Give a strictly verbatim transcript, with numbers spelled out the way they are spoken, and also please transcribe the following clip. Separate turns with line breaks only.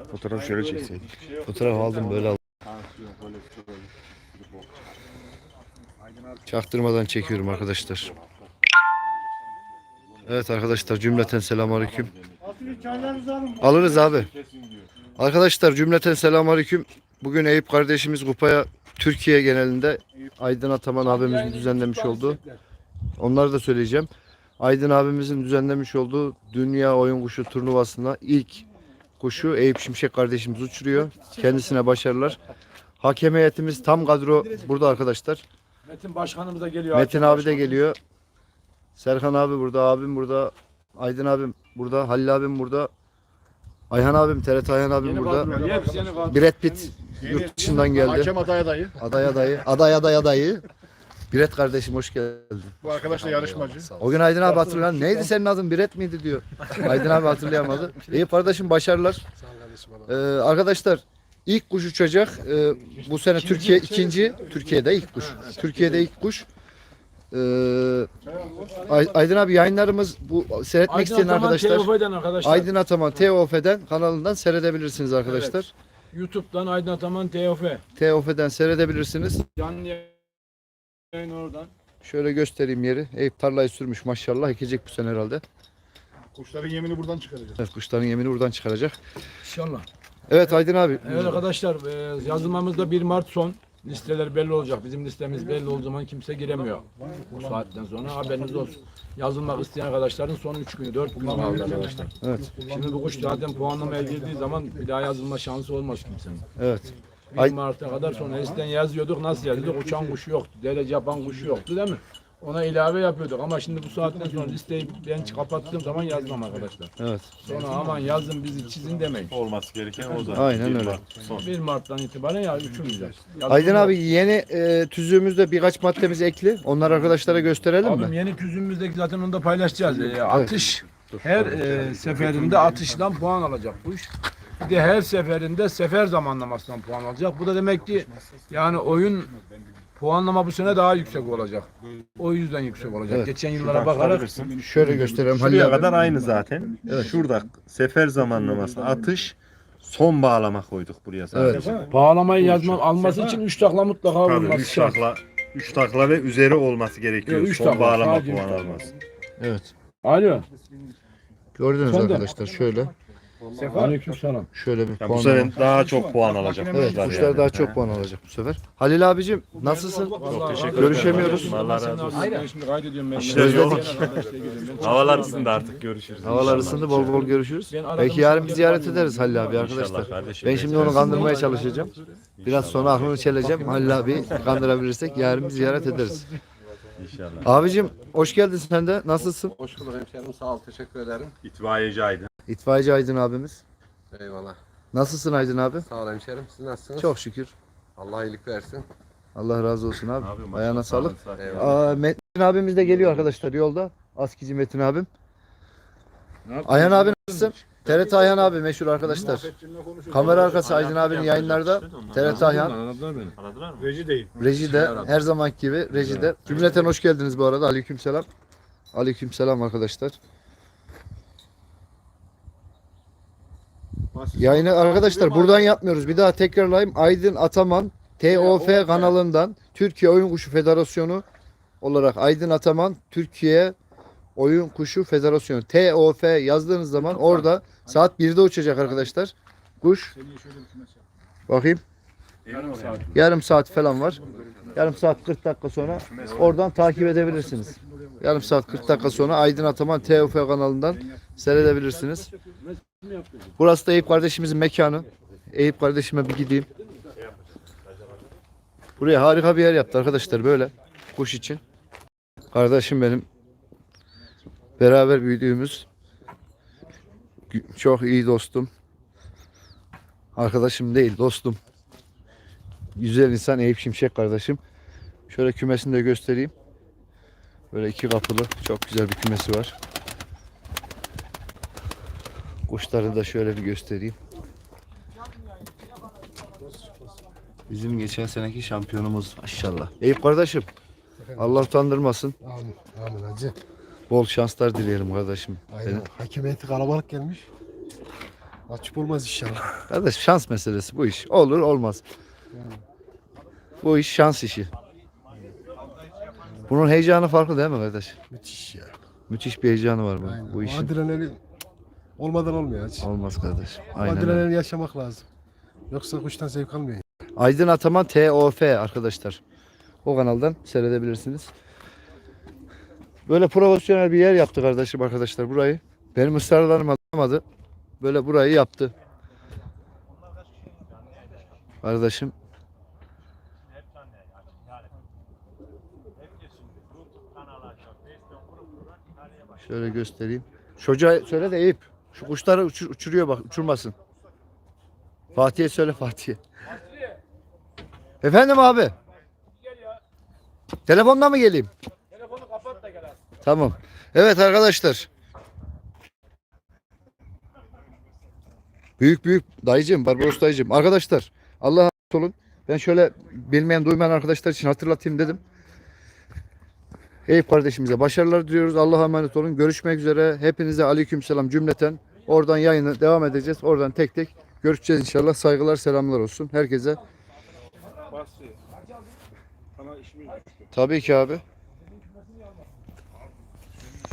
Fotoğrafı şöyle çekseydik.
Fotoğraf aldım böyle aldım. Çaktırmadan çekiyorum arkadaşlar. Evet arkadaşlar cümleten selamünaleyküm. Alırız abi. Arkadaşlar cümleten selamünaleyküm. Bugün Eyüp kardeşimiz kupaya Türkiye genelinde Aydın Ataman abimizin düzenlemiş olduğu, onları da söyleyeceğim. Aydın abimizin düzenlemiş olduğu Dünya Oyun Kuşu turnuvasında ilk kuşu Eyüp Şimşek kardeşimiz uçuruyor. Kendisine başarılar. Hakem heyetimiz tam kadro burada arkadaşlar.
Metin başkanımız da geliyor.
Metin abi de geliyor. Serkan abi burada, abim burada, Aydın abim burada, Halil abim burada, Ayhan abim, T R T Ayhan abim
Yeni
burada.
kadro, hepsi yeni kadro.
Brad Pitt yurt dışından geldi.
Hakem aday adayı.
Aday adayı, aday aday adayı. Biret kardeşim hoş geldin.
Bu arkadaş da yarışmacı.
O gün Aydın abi hatırlayan neydi senin adın Biret miydi diyor. Aydın abi hatırlayamadı. İyi kardeşim başarılar. Ee, arkadaşlar ilk kuş uçacak. Ee, bu sene Türkiye ikinci. Türkiye'de ilk kuş. Türkiye'de ilk kuş. Ee, Ay- Aydın abi yayınlarımız bu seyretmek
Aydın
isteyen
Ataman
arkadaşlar.
T O F'den arkadaşlar.
Aydın Ataman T O F'den kanalından seyredebilirsiniz arkadaşlar.
YouTube'dan Aydın Ataman T O F.
T O F'den seyredebilirsiniz.
Canlı yayın oradan.
Şöyle göstereyim yeri. Eyüp tarlayı sürmüş maşallah. Ekecek bu sene herhalde.
Kuşların yemini buradan çıkaracağız.
Evet, kuşların yemini buradan çıkaracak.
İnşallah.
Evet Aydın abi.
Evet arkadaşlar e, yazılmamızda bir Mart son. Listeler belli olacak. Bizim listemiz belli olduğu zaman kimse giremiyor. Bu saatten sonra haberiniz olsun. Yazılmak isteyen arkadaşların son üç günü, dört gün kaldı arkadaşlar.
Evet.
Şimdi bu kuş zaten puanlamaya girdiği zaman bir daha yazılma şansı olmaz kimsenin.
Evet.
bir
Ay-
Mart'a kadar sonra eskiden yazıyorduk. Nasıl yazıyorduk? Uçan kuş yoktu. Derece yapan kuş yoktu değil mi? Ona ilave yapıyorduk ama şimdi bu saatten sonra listeyi ben kapattığım zaman yazmam arkadaşlar.
Evet.
Sonra aman yazın bizi çizin demeyin.
Olması gereken o zaten.
Aynen
Bir
öyle.
Mart son.
bir Mart'tan itibaren ya üçümüzler.
Aydın abi yeni e, tüzüğümüzde birkaç maddemiz ekli. Onları arkadaşlara gösterelim
Abim
mi?
yeni tüzüğümüzdeki zaten onu da paylaşacağız. Ee, atış her e, seferinde atıştan puan alacak bu iş. Bir de her seferinde sefer zamanlamasından puan alacak. Bu da demek ki yani oyun puanlama bu sene daha yüksek olacak. O yüzden yüksek olacak.
Evet.
Geçen yıllara bakarak
Şöyle gösterelim Halil
Şuraya
abi.
kadar aynı zaten. Şurada sefer zamanlaması atış son bağlama koyduk buraya sadece.
bağlamayı yazmak alması için üç takla mutlaka
Tabii
olması
üç
şart.
takla üç takla ve üzeri olması gerekiyor.
Evet, üç
son
takla,
bağlama
sadece üç
puan
takla.
alması.
Evet.
Alo.
Gördünüz
Sen de.
arkadaşlar şöyle.
Aleykümselam.
Şöyle bir
Ya bu
puanlama.
sefer daha çok puan alacak.
Evet
kuşlar
kuşlar
yani.
daha çok puan alacak bu sefer. Halil abicim nasılsın?
Çok teşekkür ederim.
Görüşemiyoruz.
Allah razı olsun.
Ben şimdi kaydediyorum ben.
İşler
yoğun.
Havalar ısındı artık görüşürüz.
Havalar
İnşallah.
ısındı bol bol görüşürüz.
Ben aradım,
Belki yarın bir
şimdi
ziyaret
gelip
ederiz Halil abi
İnşallah
arkadaşlar.
kardeşim,
Ben şimdi
bekleriz.
onu kandırmaya çalışacağım. Biraz sonra aklını çeleceğim. Halil abi kandırabilirsek yarın bir ziyaret ederiz.
İnşallah.
Abicim hoş geldin sen de. Nasılsın?
Hoş bulduk hemşerim. Sağ ol. Teşekkür ederim.
İtfaiyeci Aydın.
İtfaiyeci Aydın abimiz.
Eyvallah.
Nasılsın Aydın abi?
Sağ ol hemşerim. Siz nasılsınız?
Çok şükür.
Allah iyilik versin.
Allah razı olsun abi.
Abi, maşallah,
Ayağına sağlık.
sağ olun.
Eyvallah.
Aa, Metin abimiz de geliyor arkadaşlar yolda. Askici Metin abim. Ayhan abi nasılsın? T R T Ayhan abi meşhur arkadaşlar. Kamera arkası Aydın abinin yayınlarda. T R T Ayhan.
Aradılar mı?
Reji değil.
Rejide her zamanki gibi rejide. Cümleten hoş geldiniz bu arada. Aleykümselam. Aleykümselam arkadaşlar. Yayını arkadaşlar buradan yapmıyoruz. Bir daha tekrarlayayım. Aydın Ataman T O F kanalından Türkiye Oyun Kuşu Federasyonu olarak Aydın Ataman Türkiye Oyun Kuşu Federasyonu T O F yazdığınız zaman orada saat birde uçacak arkadaşlar. Kuş. Bakayım. Yarım saat falan var. Yarım saat kırk dakika sonra oradan takip edebilirsiniz. Yarım saat kırk dakika sonra Aydın Ataman T O F kanalından seyredebilirsiniz. Burası da Eyüp kardeşimizin mekanı. Eyüp kardeşime bir gideyim. Buraya harika bir yer yaptı arkadaşlar böyle kuş için. Kardeşim benim beraber büyüdüğümüz çok iyi dostum. Arkadaşım değil dostum. Güzel insan Eyüp Şimşek kardeşim. Şöyle kümesini de göstereyim. Böyle iki kapılı çok güzel bir kümesi var. Kuşları da şöyle bir göstereyim. Bizim geçen seneki şampiyonumuz maşallah. Eyüp kardeşim Allah utandırmasın.
Amin, amin hacı.
Bol şanslar dileyelim kardeşim.
Aynen. Hakem heyeti kalabalık gelmiş. Açıp olmaz inşallah.
Kardeş şans meselesi bu iş. Olur olmaz. Bu iş şans işi. Bunun heyecanı farklı değil mi kardeş?
Müthiş ya.
Müthiş bir heyecanı var bu,
Aynen.
bu
O
işin.
adrenalin olmadan olmuyor hiç.
Olmaz kardeş.
O
Aynen öyle.
adrenalini yaşamak lazım. Yoksa kuştan zevk almıyor.
Aydın Ataman T O F arkadaşlar. O kanaldan seyredebilirsiniz. Böyle profesyonel bir yer yaptı kardeşim arkadaşlar burayı. Benim ısrarlarım alamadı. Böyle burayı yaptı. Kardeşim. Şöyle göstereyim. Çocuğa söyle de Eyüp. Şu kuşları uçur- uçuruyor bak, uçurmasın. Fatih'e söyle Fatih'e. Efendim abi. Telefonla mı geleyim?
Telefonu kapat da gel abi.
Tamam. Evet arkadaşlar. Büyük büyük dayıcım, Barbaros dayıcım. Arkadaşlar Allah'a emanet olun. Ben şöyle bilmeyen duymayan arkadaşlar için hatırlatayım dedim. Eyüp kardeşimize başarılar diliyoruz. Allah'a emanet olun. Görüşmek üzere. Hepinize aleykümselam cümleten. Oradan yayını devam edeceğiz. Oradan tek tek görüşeceğiz inşallah. Saygılar, selamlar olsun herkese.
Basri. Sana işimiz düştü.
Tabii ki abi.